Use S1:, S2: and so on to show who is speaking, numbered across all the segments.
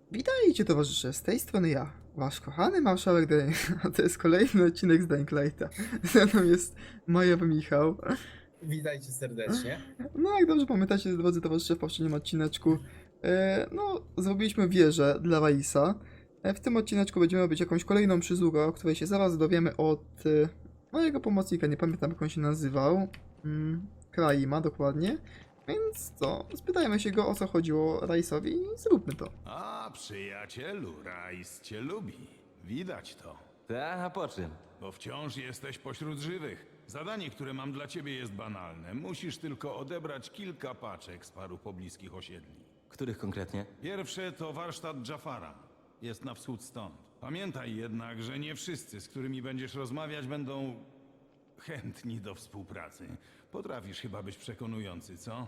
S1: Witajcie towarzysze, z tej strony ja, wasz kochany marszałek Dane, a to jest kolejny odcinek z Dying Lighta. Ze mną jest Majowy Michał.
S2: Witajcie serdecznie.
S1: No jak dobrze pamiętacie, drodzy towarzysze, w poprzednim odcineczku, zrobiliśmy wieżę dla Raisa. W tym odcineczku będziemy robić jakąś kolejną przysługę, o której się zaraz dowiemy od mojego pomocnika, nie pamiętam jak on się nazywał. Kraima dokładnie. Więc co, spytajmy się go, o co chodziło Raisowi i zróbmy to.
S3: A, przyjacielu, Rajs cię lubi. Widać to.
S4: Tak, a po czym?
S3: Bo wciąż jesteś pośród żywych. Zadanie, które mam dla ciebie jest banalne. Musisz tylko odebrać kilka paczek z paru pobliskich osiedli.
S4: Których konkretnie?
S3: Pierwsze to warsztat Jafara. Jest na wschód stąd. Pamiętaj jednak, że nie wszyscy, z którymi będziesz rozmawiać, będą chętni do współpracy. Potrafisz chyba być przekonujący, co?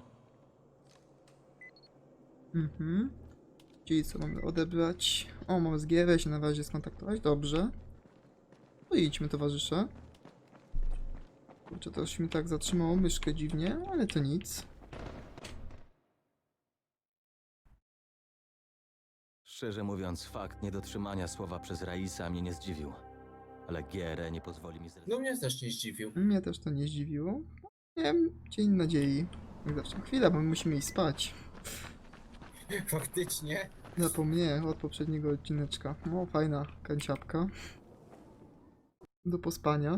S1: Czyli co mamy odebrać? O, mam z GR się na razie skontaktować, dobrze. To idźmy towarzysze. Kurczę, to już mi tak zatrzymało myszkę dziwnie, ale to nic.
S4: Szczerze mówiąc, fakt niedotrzymania słowa przez Raisa mnie nie zdziwił. Ale GRE nie pozwoli mi
S2: No mnie też nie zdziwił.
S1: Mnie też to nie zdziwiło. Nie wiem, dzień nadziei. Jak zawsze. Chwila, bo my musimy iść spać.
S2: Faktycznie.
S1: Zapomniałem od poprzedniego odcineczka. No, fajna kanciapka. Do pospania.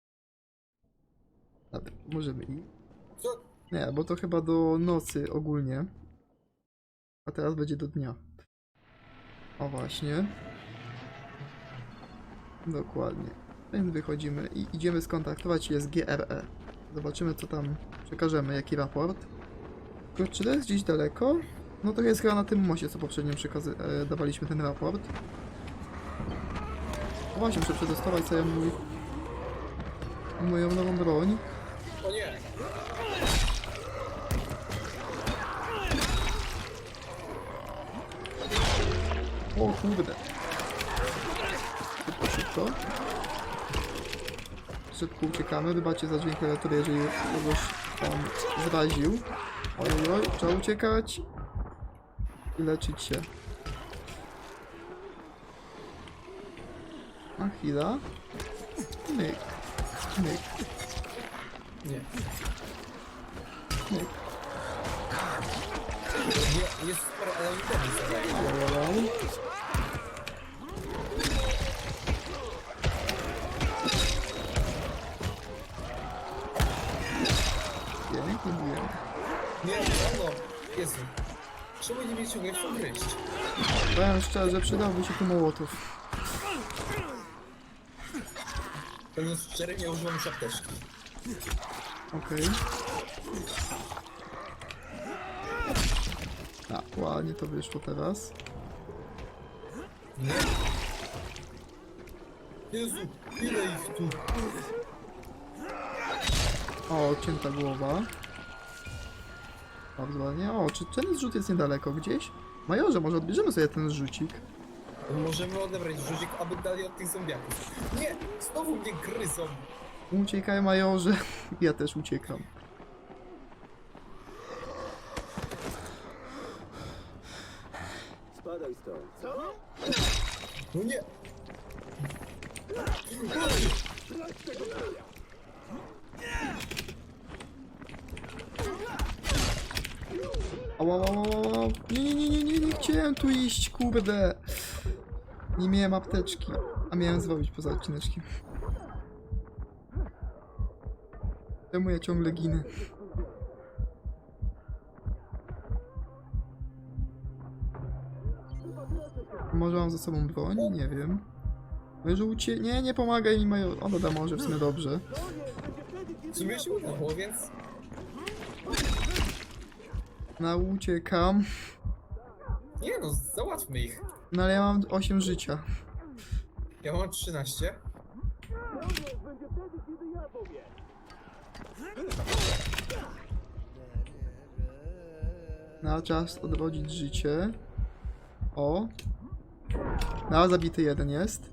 S1: Dobra, możemy iść.
S2: Co?
S1: Nie, bo to chyba do nocy ogólnie. A teraz będzie do dnia. O właśnie. Dokładnie. Więc wychodzimy i idziemy skontaktować się z GRE. Zobaczymy co tam przekażemy, jaki raport. Tylko czy to jest gdzieś daleko? No to jest chyba na tym moście, co poprzednio dawaliśmy ten raport. O właśnie, muszę przetestować sobie moją nową broń.
S2: O nie.
S1: O kurde. Szybko, szybko. Szybko uciekamy. Wybaczcie za dźwięk klawiatury, jeżeli kogoś tam zraził. Oj, trzeba uciekać. I leczyć się. A chwila. Myk. Myk.
S2: Nie.
S1: Myk.
S2: Nie, jest sporo, ale nie powiem sobie.
S1: Wow. Pięknie biłem.
S2: Nie, no. Jezu. Czemu nie mnie ciągle chcą gryźć?
S1: Powiem szczerze, przydałby się tu mołotów.
S2: Będąc szczery, nie używam już apteczki.
S1: Okej. A, ładnie to wyszło teraz.
S2: Nie. Jezu, ile ich tu?
S1: O, odcięta głowa. Bardzo ładnie. O, czy ten zrzut jest niedaleko gdzieś? Majorze, może odbierzemy sobie ten zrzucik?
S2: Możemy odebrać rzucik, aby dali od tych zombiaków. Nie, znowu mnie gryzą.
S1: Uciekaj, majorze. Ja też uciekam.
S2: No nie.
S1: Ała, ała, ała, ała. Nie chciałem tu iść, kurde. Nie miałem apteczki, a miałem zrobić poza odcineczkiem. Czemu ja ciągle ginę? Może mam ze sobą broń? Nie wiem. Żółcie... Nie pomagaj mi, major. Ono da może w sumie dobrze.
S2: W sumie się udało, więc...
S1: No, uciekam.
S2: Nie no, załatwmy ich.
S1: No ale ja mam 8 życia.
S2: Ja mam 13.
S1: No, czas odrodzić życie. O. No, zabity jeden jest.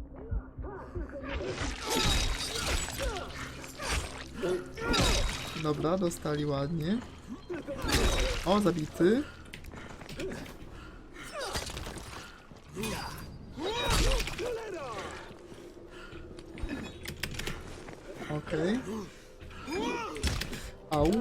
S1: Dobra, dostali ładnie. O, zabity. Okej. Au.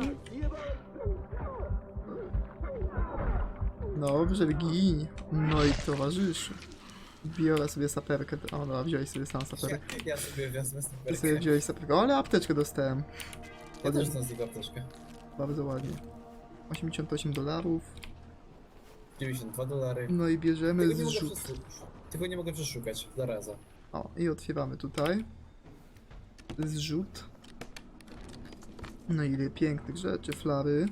S1: Dobrze, gin. No i towarzyszy. Biorę sobie saperkę. O, dobra, wziąłeś sobie sam saperkę.
S2: Ja sobie wezmę
S1: Ty sobie
S2: snajperkę.
S1: wziąłeś saperkę. O, ale apteczkę dostałem.
S2: Ja też znam z niego apteczkę.
S1: Bardzo ładnie. $88.
S2: $92.
S1: No i bierzemy
S2: Tego nie mogę
S1: zrzut.
S2: Tego nie mogę przeszukać. Zaraza.
S1: O, i otwieramy tutaj. Zrzut. No ile pięknych rzeczy, flary.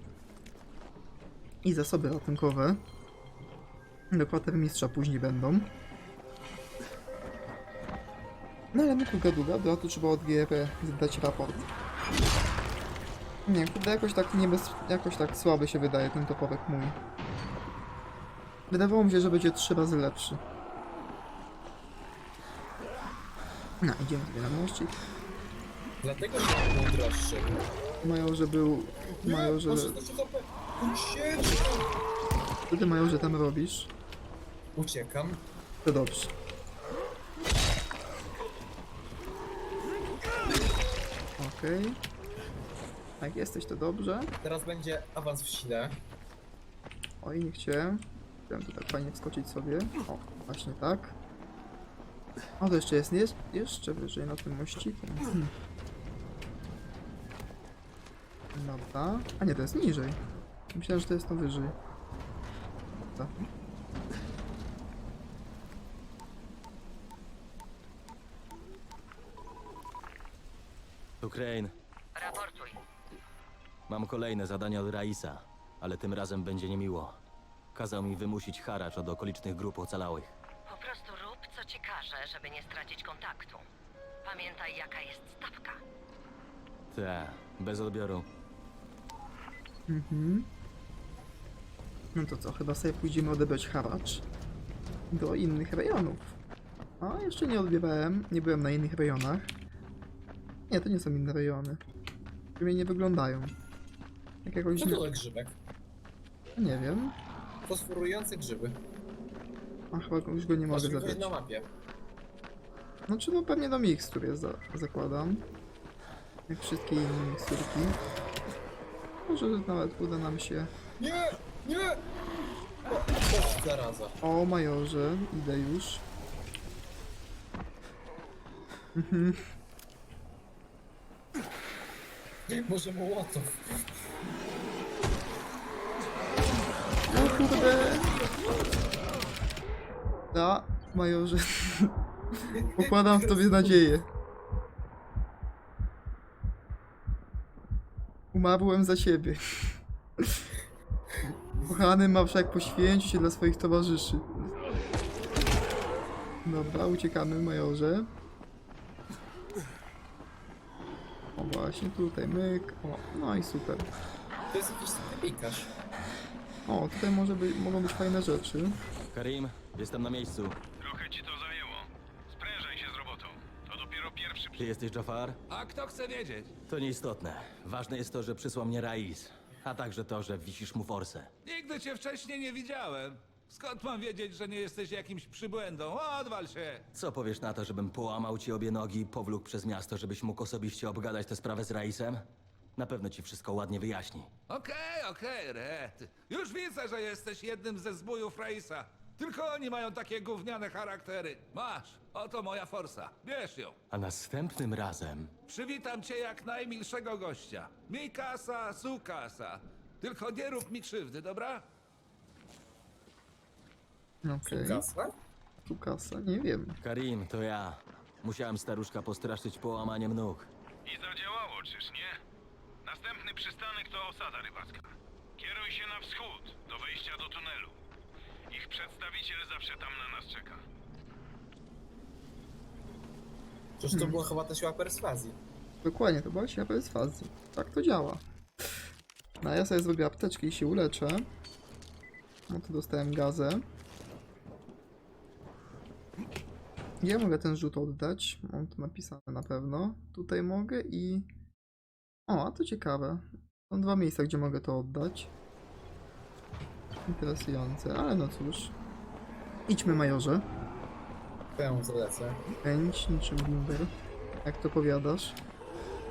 S1: I zasoby ratunkowe. Do kwatermistrza później będą. No ale my tu gadu, a tu trzeba od GR zadać raport. Nie, kurde, jakoś tak słaby się wydaje ten toporek mój. Wydawało mi się, że będzie 3 razy lepszy. No, idziemy sobie na mościk.
S2: Dlatego nie był droższy.
S1: Majorze był... Majorze...
S2: Masz 16 HP. Uciekam.
S1: Co ty, Majorze, tam robisz?
S2: Uciekam.
S1: To dobrze. Okej. Jak jesteś, to dobrze.
S2: Teraz będzie awans w sile.
S1: Oj, nie chciałem. Chciałem tu tak fajnie wskoczyć sobie. O, właśnie tak. O, to jeszcze jest jeszcze wyżej na tym mościku. Dobra. A nie, to jest niżej. Myślałem, że to jest to wyżej. Tak.
S4: Tu Crane.
S5: Raportuj.
S4: Mam kolejne zadanie od Raisa, ale tym razem będzie niemiło. Kazał mi wymusić haracz od okolicznych grup ocalałych.
S5: Po prostu rób, co ci każe, żeby nie stracić kontaktu. Pamiętaj, jaka jest stawka.
S4: Te, bez odbioru.
S1: Mhm. No to co, chyba sobie pójdziemy odebrać haracz do innych rejonów. A, jeszcze nie odbierałem, nie byłem na innych rejonach. Nie, to nie są inne rejony. Mnie nie wyglądają. Jak jakoś
S2: Co
S1: nie...
S2: to za grzybek?
S1: Nie wiem.
S2: Fosforujące grzyby.
S1: A chyba już go nie mogę
S2: Masz ich
S1: zabrać.
S2: na mapie.
S1: Znaczy no pewnie do mikstur jest, zakładam. Jak wszystkie inne miksturki. Może nawet uda nam się...
S2: Nie! Nie! O, zaraza.
S1: O, Majorze, idę już. Mhm.
S2: Może Mołotow.
S1: O kurde! Da, Majorze. Pokładam w tobie nadzieję. Umarłem za siebie. Kochany Marszałek poświęci się dla swoich towarzyszy. Dobra, uciekamy, Majorze. O właśnie, tutaj myk. O, no i super.
S2: To jest jakiś sklepikarz.
S1: O, tutaj mogą być fajne rzeczy.
S4: Karim, jestem na miejscu.
S3: Trochę ci to zajęło. Sprężaj się z robotą. To dopiero pierwszy...
S4: Ty jesteś Jafar?
S6: A kto chce wiedzieć?
S4: To nieistotne. Ważne jest to, że przysłał mnie Rais. A także to, że wisisz mu forsę.
S6: Nigdy cię wcześniej nie widziałem. Skąd mam wiedzieć, że nie jesteś jakimś przybłędą? Odwal się!
S4: Co powiesz na to, żebym połamał ci obie nogi i powlókł przez miasto, żebyś mógł osobiście obgadać tę sprawę z Raisem? Na pewno ci wszystko ładnie wyjaśni.
S6: Okej, Red. Już widzę, że jesteś jednym ze zbójów Raisa. Tylko oni mają takie gówniane charaktery. Masz, oto moja forsa. Bierz ją.
S4: A następnym razem...
S6: Przywitam cię jak najmilszego gościa. Mi kasa, su kasa. Tylko nie rób mi krzywdy, dobra?
S1: Okej.
S2: Kasa?
S1: Tu kasa, nie wiem.
S4: Karim, to ja. Musiałem staruszka postraszyć połamaniem nóg.
S3: I zadziałało, czyż nie? Następny przystanek to osada rybacka. Kieruj się na wschód, do wejścia do tunelu. Ich przedstawiciel zawsze tam na nas czeka.
S2: Przecież to była chyba ta siła perswazji.
S1: Dokładnie, to była siła perswazji. Tak to działa. No a ja sobie zrobię apteczkę i się uleczę. No to dostałem gazę. Gdzie mogę ten rzut oddać? Mam to napisane na pewno. Tutaj mogę i... O, a to ciekawe. Są 2 miejsca, gdzie mogę to oddać. Interesujące, ale no cóż. Idźmy, Majorze.
S2: To ja mu zalecę.
S1: Chęć niczym Bimber. Jak to powiadasz?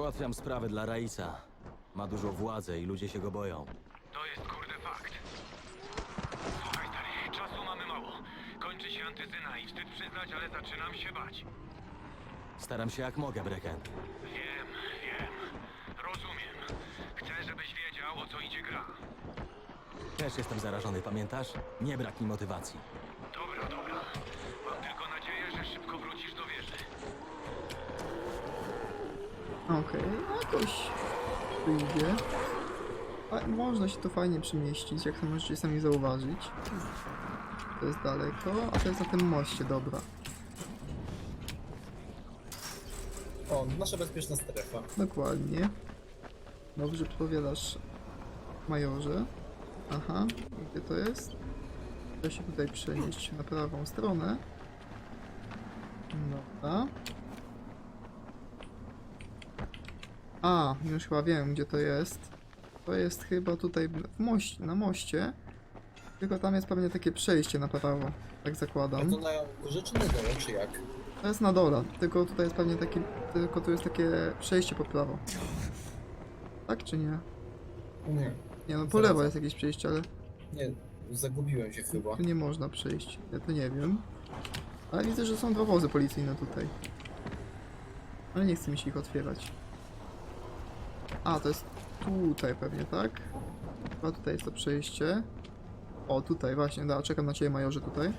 S4: Załatwiam sprawę dla Raisa. Ma dużo władzy i ludzie się go boją.
S7: To jest kurde fakt. Słuchaj stary, czasu mamy mało. Kończy się antyzyna i wstyd przyznać, ale zaczynam się bać.
S4: Staram się jak mogę, Brecken.
S7: Wiem. Rozumiem. Chcę, żebyś wiedział, o co idzie gra.
S4: Też jestem zarażony, pamiętasz? Nie brak mi motywacji.
S7: Dobra. Mam tylko nadzieję, że szybko wrócisz do wieży.
S1: Okej, jakoś wyjdzie. Ale można się tu fajnie przemieścić, jak to możecie sami zauważyć. To jest daleko, a to jest na tym moście, dobra.
S2: O, nasza bezpieczna strefa.
S1: Dokładnie. Dobrze podpowiadasz, majorze. Aha, gdzie to jest? Trzeba się tutaj przenieść na prawą stronę. Dobra. A, już chyba wiem, gdzie to jest. To jest chyba tutaj na moście. Tylko tam jest pewnie takie przejście na prawo, tak
S2: A
S1: zakładam.
S2: to na górze czy na dole, czy jak?
S1: To jest na dole, tylko tutaj jest pewnie taki, tylko tu jest takie przejście po prawo. Tak czy nie?
S2: Nie,
S1: Nie no, po lewo jest jakieś przejście, ale
S2: nie, zagubiłem się chyba.
S1: tu nie można przejść. Ja to nie wiem. Ale widzę, że są dwa wozy policyjne tutaj. Ale nie chce mi się ich otwierać. A, to jest tutaj pewnie, tak? Chyba tutaj jest to przejście. O, tutaj właśnie, da, czekam na ciebie, majorze, tutaj.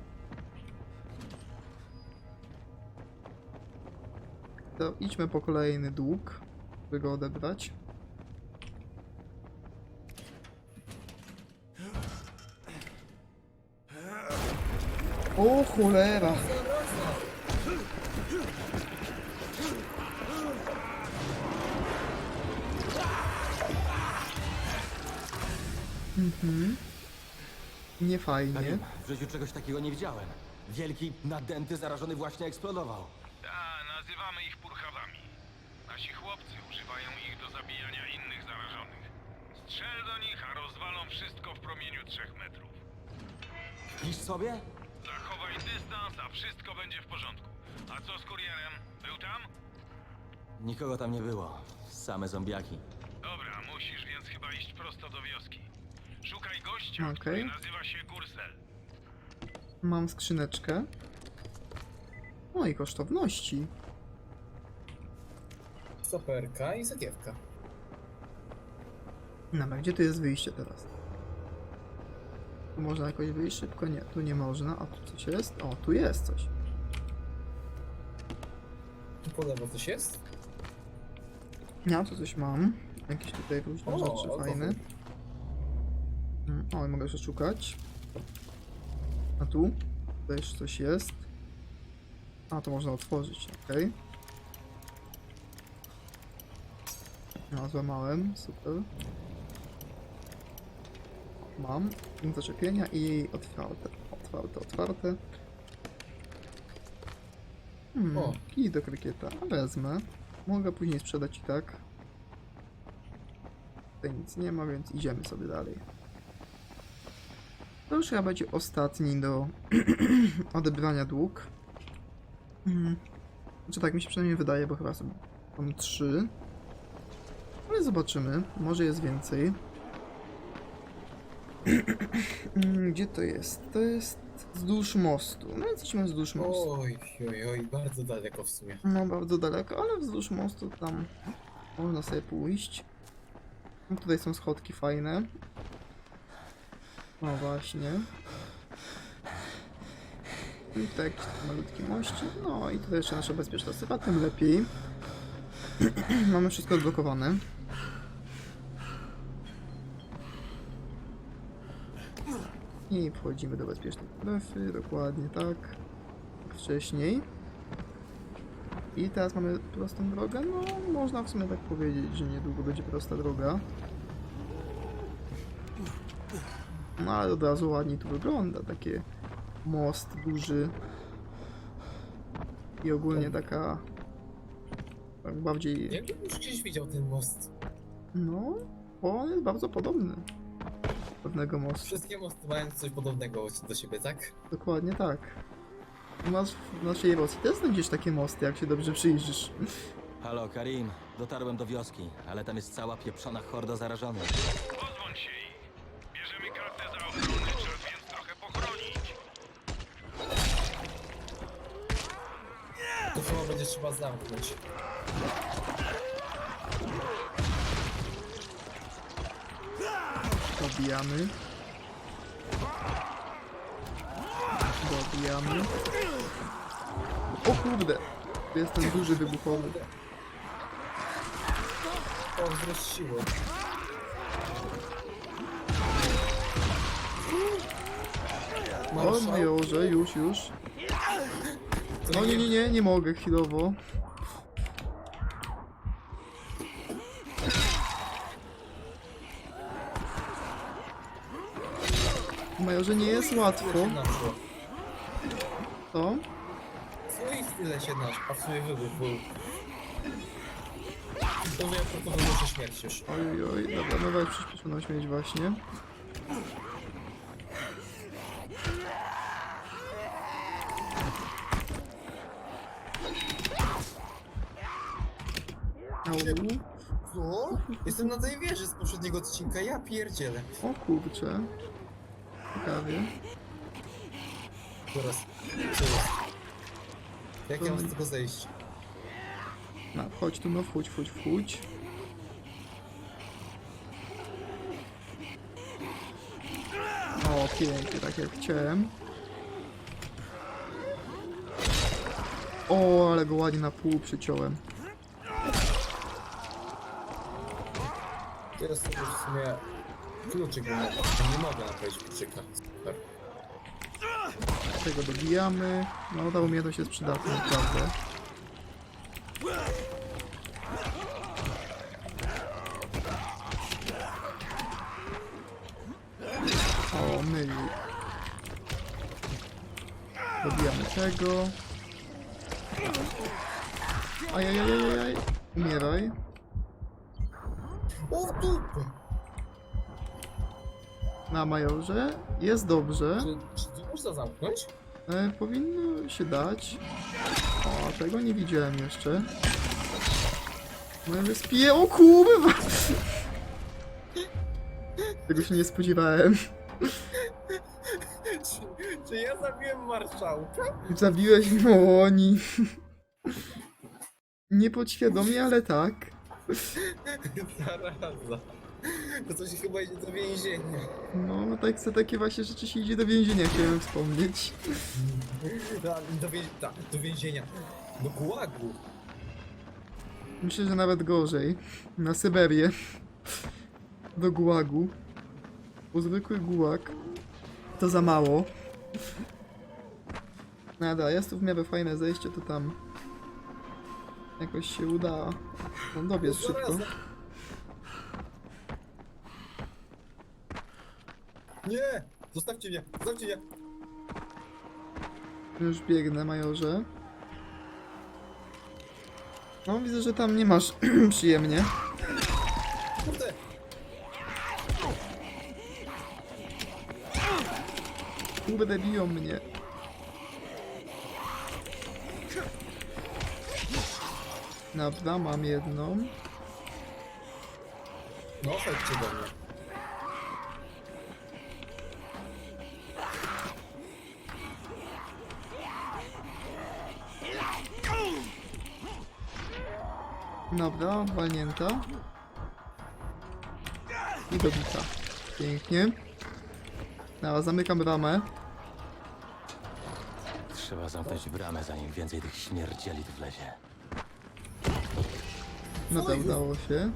S1: To idźmy po kolejny dług, by go odebrać. O cholera! Nie fajnie.
S4: Karim, w życiu czegoś takiego nie widziałem. Wielki, nadęty, zarażony właśnie eksplodował.
S7: Nazywamy ich purchawami. Nasi chłopcy używają ich do zabijania innych zarażonych. Strzel do nich, a rozwalą wszystko w promieniu 3 metrów.
S4: Pisz sobie?
S7: Zachowaj dystans, a wszystko będzie w porządku. A co z kurierem? Był tam?
S4: Nikogo tam nie było. Same zombiaki.
S7: Dobra, musisz więc chyba iść prosto do wioski. Szukaj gościa,
S1: Okej.
S7: który nazywa się Gursel.
S1: Mam skrzyneczkę. No i kosztowności.
S2: Saperka i sakiewka.
S1: Dobra, gdzie tu jest wyjście teraz? Tu można jakoś wyjść szybko? Nie, tu nie można. A tu coś jest? O, tu jest coś.
S2: Tu po lewo coś jest?
S1: Ja tu coś mam. Jakieś tutaj różne rzeczy
S2: alkohol.
S1: fajne. O, i mogę jeszcze szukać. A tu? Tutaj jeszcze coś jest. A, to można otworzyć, okej. No, złamałem, super. Mam. Punkt zaczepienia i otwarte. Otwarte.
S2: O.
S1: Kij do krykieta. Wezmę. Mogę później sprzedać i tak. Tutaj nic nie ma, więc idziemy sobie dalej. To już chyba będzie ostatni do odebrania dług. Znaczy tak mi się przynajmniej wydaje, bo chyba są tam 3. Ale zobaczymy. Może jest więcej. Gdzie to jest? To jest wzdłuż mostu. No więc idźmy wzdłuż mostu.
S2: Oj, bardzo daleko w sumie.
S1: No bardzo daleko, ale wzdłuż mostu tam można sobie pójść. No, tutaj są schodki fajne. No właśnie. I tutaj jakiś taki malutki mościk. No i tutaj jeszcze nasza bezpieczna sypa, tym lepiej. Mamy wszystko odblokowane. I wchodzimy do bezpiecznej strefy, dokładnie tak. Jak wcześniej. I teraz mamy prostą drogę. No, można w sumie tak powiedzieć, że niedługo będzie prosta droga. No ale od razu ładnie tu wygląda. Takie most duży. I ogólnie taka... Tak bardziej...
S2: Jakbym już gdzieś widział ten most.
S1: No, bo on jest bardzo podobny. Pewnego mostu.
S2: Wszystkie mosty mają coś podobnego do siebie, tak?
S1: Dokładnie tak. U nas w naszej Rosji też znajdziesz takie mosty, jak się dobrze przyjrzysz.
S4: Halo, Karim. Dotarłem do wioski, ale tam jest cała pieprzona horda zarażonych.
S7: Pozbądź się ich. Bierzemy kartę za ochronę, czas więc trochę pochronić.
S2: To chyba będzie trzeba zamknąć.
S1: Dobijamy. Dobijamy. O kurde! To jest ten duży wybuchowy.
S2: O, wzrost siły.
S1: O majorze, już. No nie mogę chwilowo. Majorze, nie jest łatwo. To?
S2: Swoich chwilę się nasz, a w sumie wybuch był. To ja proponuję muszę śmierć już.
S1: Oj, dobra, nowa przyspieszoną śmierć właśnie. Au.
S2: Co? Jestem na tej wieży z poprzedniego odcinka, ja pierdzielę.
S1: O kurczę. Ciekawie.
S2: Teraz, co jest? Jak ja mam z tego zejść?
S1: No, chodź tu, no wchódź. O, pięknie, tak jak chciałem. O, ale go ładnie na pół przyciąłem.
S2: Teraz sobie w sumie kluczyk mam. Nie mogę naprawić kluczyka. Super.
S1: Tego dobijamy. No, ta umiejętność jest przydatna, naprawdę. O, myli. Dobijamy tego. Ajajajajaj. Umieraj.
S2: O, w dupę!
S1: Na majorze. Jest dobrze.
S2: Czy tu można zamknąć?
S1: Powinno się dać. O, tego nie widziałem jeszcze. Moje spiję. O kurwa! Tego się nie spodziewałem.
S2: Czy ja zabiłem marszałka?
S1: Zabiłeś oni. Niepodświadomie, ale tak.
S2: Zaraza. To coś chyba idzie do więzienia.
S1: No, tak za takie właśnie rzeczy się idzie do więzienia, chciałem wspomnieć.
S2: Do więzienia. Do gułagu.
S1: Myślę, że nawet gorzej. Na Syberię. Do gułagu. Bo zwykły gułag to za mało. Nada, jest tu w miarę fajne zejście, to tam jakoś się uda dobiec szybko.
S2: Nie! Zostawcie mnie! Zostawcie mnie!
S1: Już biegnę, majorze. No, widzę, że tam nie masz przyjemnie.
S2: Kurde!
S1: Kurde, biją mnie. Dobra, mam jedną.
S2: No, chodźcie do mnie.
S1: Dobra, walnięta. I dobita. Pięknie. Dobra, zamykam bramę.
S4: Trzeba zamknąć bramę, zanim więcej tych śmierdzieli tu wlezie.
S1: No to udało się.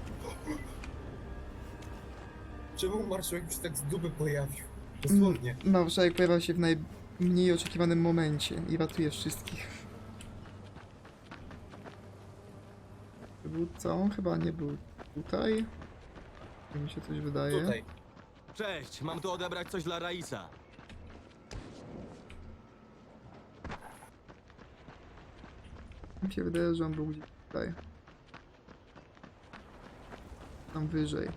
S2: Czemu marszałek się tak z dupy pojawił? Dosłownie.
S1: Marszałek pojawia się w najmniej oczekiwanym momencie i ratuje wszystkich. Był co? Chyba nie był tutaj. Tak mi się coś wydaje.
S2: Tutaj.
S4: Cześć, mam tu odebrać coś dla Raisa.
S1: Mi się wydaje, że on był gdzieś tutaj. Tam wyżej.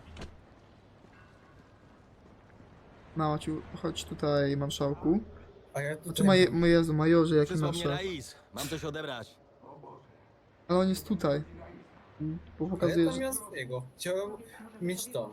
S1: Małaciu, chodź tutaj, marszałku.
S2: A ja
S1: Znaczy,
S2: tutaj...
S1: Jezu, majorze, jaki
S4: Przysłał mnie
S1: nasze.
S4: Rais. Mam coś odebrać.
S1: Ale on jest tutaj. Bo
S2: A ja
S1: pokazuje,
S2: tam
S1: że...
S2: miałem swojego. Chciałem mieć to.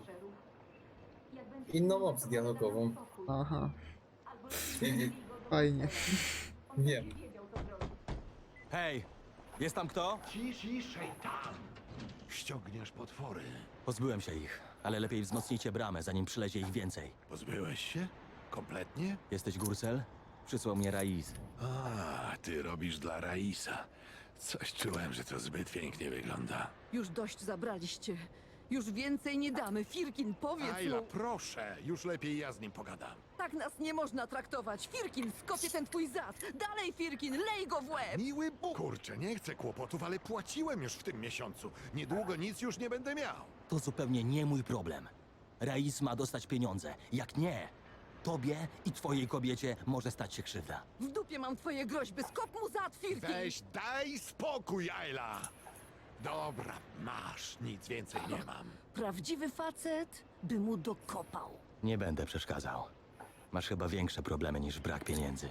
S2: Inną opcję dialogową.
S1: Aha,
S2: I-
S1: fajnie.
S2: Wiem.
S4: Hej, jest tam kto?
S8: Ciszej tam! Ściągniesz potwory.
S4: Pozbyłem się ich, ale lepiej wzmocnijcie bramę, zanim przylezie ich więcej.
S8: Pozbyłeś się? Kompletnie?
S4: Jesteś Gursel? Przysłał mnie Rais.
S8: A, ty robisz dla Raisa. Coś czułem, że to zbyt pięknie wygląda.
S9: Już dość zabraliście. Już więcej nie damy. Firkin, powiedz
S8: Ayla,
S9: mu.
S8: proszę, już lepiej ja z nim pogadam.
S9: Tak nas nie można traktować. Firkin, skopię ten twój zad. Dalej, Firkin, lej go w łeb.
S8: Miły Bóg! Kurczę, nie chcę kłopotów, ale płaciłem już w tym miesiącu. Niedługo nic już nie będę miał.
S4: To zupełnie nie mój problem. Rais ma dostać pieniądze. Jak nie, tobie i twojej kobiecie może stać się krzywda.
S9: W dupie mam twoje groźby. Skop mu zad, Firkin.
S8: Weź, daj spokój, Ayla! Dobra, masz, nic więcej nie mam.
S9: Prawdziwy facet by mu dokopał.
S4: Nie będę przeszkadzał. Masz chyba większe problemy niż brak pieniędzy.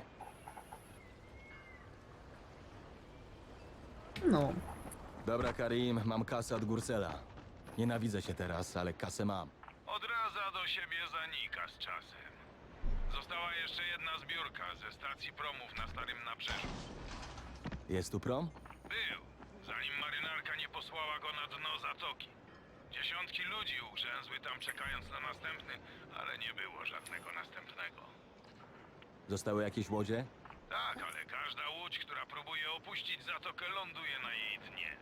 S1: No,
S4: Dobra, Karim, mam kasę od Gursela. Nienawidzę się teraz, ale kasę mam.
S7: Odradza do siebie zanika z czasem. Została jeszcze jedna zbiórka ze stacji promów na Starym Nabrzeżu.
S4: Jest tu prom?
S7: Był, zanim marynarka nie posłała go na dno zatoki. Dziesiątki ludzi ugrzęzły tam czekając na następny, ale nie było żadnego następnego.
S4: Zostały jakieś łodzie?
S7: Tak, ale każda łódź, która próbuje opuścić zatokę, ląduje na jej dnie.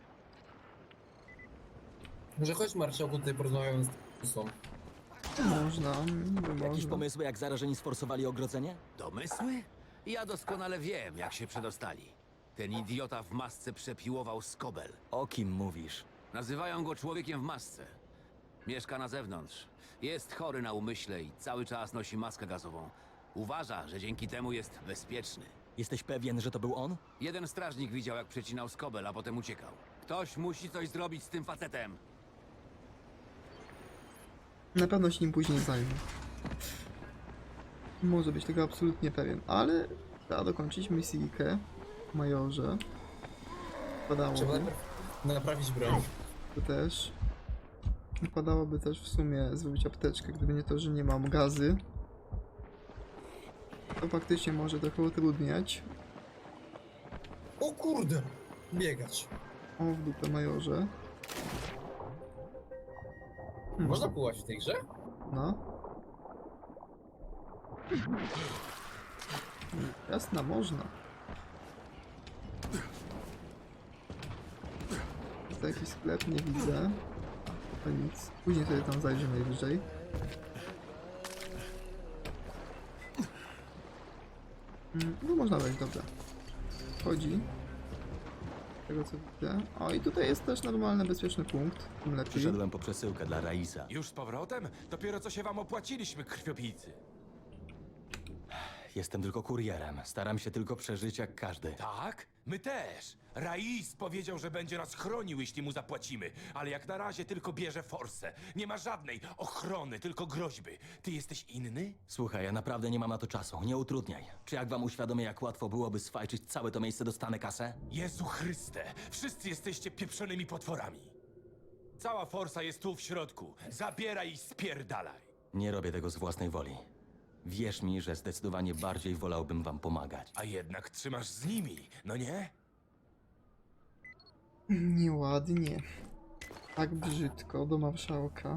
S2: Może chodź, marszałku, tutaj porozmawiamy z Tusą.
S1: można, niby
S4: Jakieś
S1: można.
S4: pomysły, jak zarażeni sforsowali ogrodzenie?
S10: Domysły? Ja doskonale wiem, jak się przedostali. Ten idiota w masce przepiłował Skobel.
S4: O kim mówisz?
S10: Nazywają go człowiekiem w masce. Mieszka na zewnątrz. Jest chory na umyśle i cały czas nosi maskę gazową. Uważa, że dzięki temu jest bezpieczny.
S4: Jesteś pewien, że to był on?
S10: Jeden strażnik widział, jak przecinał Skobel, a potem uciekał. Ktoś musi coś zrobić z tym facetem.
S1: Na pewno się nim później zajmę. Może być tego absolutnie pewien, ale trzeba dokończyć misyjkę, majorze.
S2: Trzeba
S1: Padałoby
S2: najpierw naprawić broń.
S1: to też. Padałoby też w sumie zrobić apteczkę, gdyby nie to, że nie mam gazy. To faktycznie może trochę utrudniać.
S2: O kurde! Biegać.
S1: O, w dupę majorze.
S2: Można pływać w tej grze?
S1: No. Jasna, można. Jest to jakiś sklep, nie widzę. To nic. Później sobie tam zajrzę najwyżej. No można wejść, dobra. Wchodzi. Z tego co widzę. O, i tutaj jest też normalny, bezpieczny punkt. Tym lepiej.
S4: Przyszedłem po przesyłkę dla Raisa.
S11: Już z powrotem? Dopiero co się wam opłaciliśmy, krwiopijcy.
S4: Jestem tylko kurierem. Staram się tylko przeżyć jak każdy.
S11: Tak? My też. Rais powiedział, że będzie nas chronił, jeśli mu zapłacimy, ale jak na razie tylko bierze forsę. Nie ma żadnej ochrony, tylko groźby. Ty jesteś inny?
S4: Słuchaj, ja naprawdę nie mam na to czasu. Nie utrudniaj. Czy jak wam uświadomię, jak łatwo byłoby sfajczyć całe to miejsce, dostanę kasę?
S11: Jezu Chryste, wszyscy jesteście pieprzonymi potworami. Cała forsa jest tu w środku. Zabieraj i spierdalaj.
S4: Nie robię tego z własnej woli. Wierz mi, że zdecydowanie bardziej wolałbym wam pomagać.
S11: A jednak trzymasz z nimi, no nie?
S1: Nieładnie. Tak brzydko do marszałka.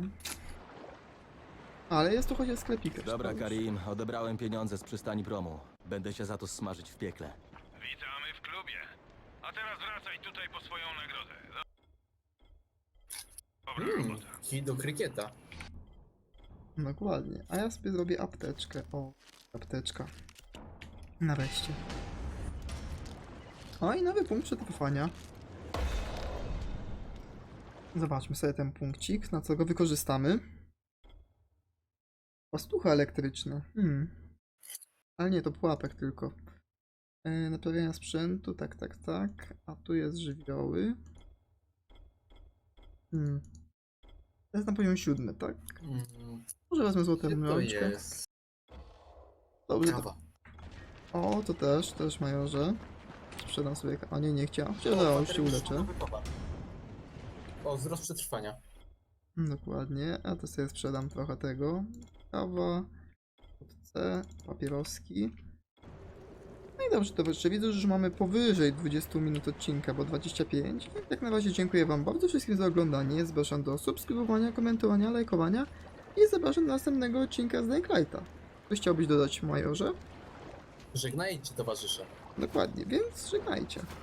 S1: Ale jest tu chociaż sklepik.
S4: Dobra, Karim, odebrałem pieniądze z przystani promu. Będę się za to smażyć w piekle.
S7: Witamy w klubie. A teraz wracaj tutaj po swoją nagrodę. Dobra robota.
S2: Kij do krykieta.
S1: Dokładnie. A ja sobie zrobię apteczkę. O, apteczka. Nareszcie. O, i nowy punkt przetrwania. Zobaczmy sobie ten punkcik, na co go wykorzystamy. Pastucha elektryczna. Ale nie, to pułapek tylko. Naprawiania sprzętu, tak. A tu jest żywioły. To jest na poziomie 7, tak? Może wezmę złotą
S2: Gdzie to
S1: rączkę.
S2: jest?
S1: Dobrze,
S2: Kawa.
S1: O, to też majorze. Sprzedam sobie... O nie, nie chciałem. Chciałem, już się uleczę.
S2: O, wzrost przetrwania.
S1: Dokładnie, a to sobie sprzedam trochę tego. Kawa, C, papieroski. No i dobrze, to jeszcze widzę, że już mamy powyżej 20 minut odcinka, bo 25. I jak na razie dziękuję wam bardzo wszystkim za oglądanie. Zapraszam do subskrybowania, komentowania, lajkowania i zapraszam do następnego odcinka z Daylighta. Coś chciałbyś dodać, majorze?
S2: Żegnajcie, towarzysze.
S1: Dokładnie, więc żegnajcie.